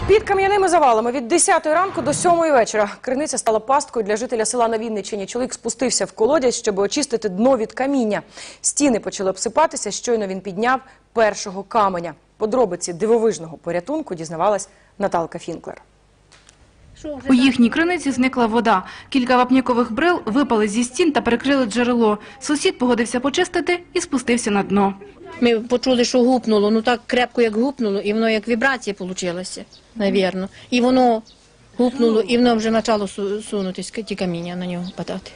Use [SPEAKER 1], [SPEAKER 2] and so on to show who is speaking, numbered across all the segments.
[SPEAKER 1] Під кам'яними завалами від 10 ранку до 7 вечора. Криниця стала пасткою для жителя села на Вінниччині. Чоловік спустився в колодязь, щоб очистити дно від каміння. Стіни почали обсипатися, щойно він підняв першого каменя. Подробиці дивовижного порятунку дізнавалась Наталка Фінклер.
[SPEAKER 2] У їхній криниці зникла вода. Кілька вапнякових брил випали зі стін та перекрили джерело. Сусід погодився почистити і спустився на дно.
[SPEAKER 3] Ми почули, що гупнуло, ну так крепко як гупнуло, і воно як вібрація вийшла, навірно. І воно гупнуло, і воно вже почало сунутись, ті каміння на нього падати.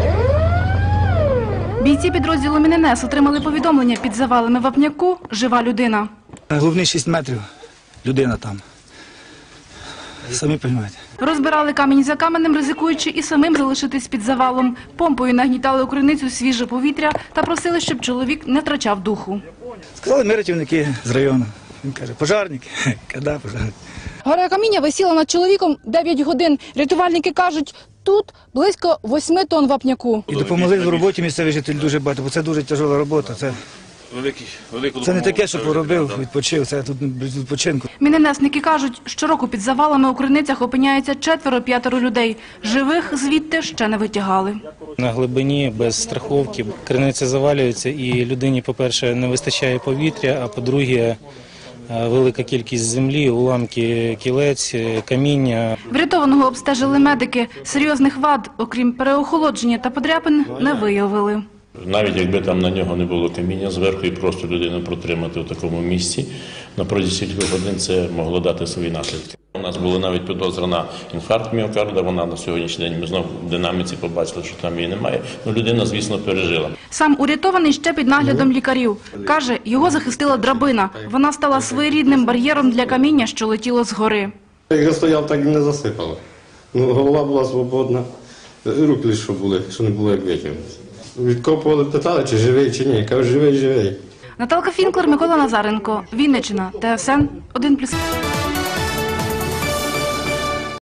[SPEAKER 2] Бійці підрозділу «Міненес» отримали повідомлення під завалами вапняку «Жива людина».
[SPEAKER 4] Головний 6 метрів, людина там. Самі розумієте.
[SPEAKER 2] Розбирали камінь за каменем, ризикуючи і самим залишитись під завалом. Помпою нагнітали у криницю свіже повітря та просили, щоб чоловік не втрачав духу.
[SPEAKER 4] Сказали, ми рятівники з району. Він каже, пожарники. Коли пожарники?
[SPEAKER 2] Гора каміння висіла над чоловіком 9 годин. Рятувальники кажуть, тут близько 8 тонн вапняку.
[SPEAKER 4] І допомогли в роботі місцеві жителі дуже багато, бо це дуже тяжела робота. Це не таке, що поробив, відпочив, це тут без відпочинку.
[SPEAKER 2] Міненесники кажуть, щороку під завалами у криницях опиняється 4-5 людей. Живих звідти ще не витягали.
[SPEAKER 5] На глибині, без страховки, криниця завалюється і людині, по-перше, не вистачає повітря, а по-друге, велика кількість землі, уламки кілець, каміння.
[SPEAKER 2] Врятованого обстежили медики. Серйозних вад, окрім переохолодження та подряпин, не виявили.
[SPEAKER 6] Навіть якби там на нього не було каміння зверху і просто людину протримати в такому місці, на протязі кількох годин це могло дати свої наслідки. У нас була навіть підозра на інфаркт міокарда, вона на сьогоднішній день, ми знову в динаміці побачили, що там її немає. Ну, людина, звісно, пережила.
[SPEAKER 2] Сам урятований ще під наглядом лікарів. Каже, його захистила драбина. Вона стала своєрідним бар'єром для каміння, що летіло згори.
[SPEAKER 7] Як я стояв, так і не засипало. Ну, голова була свободна, руки лише були, що не було як витягнути. Відкопували, питали, чи живий, чи ні. Кажу, живий.
[SPEAKER 2] Наталка Фінклер, Микола Назаренко, Вінниччина, ТСН 1+.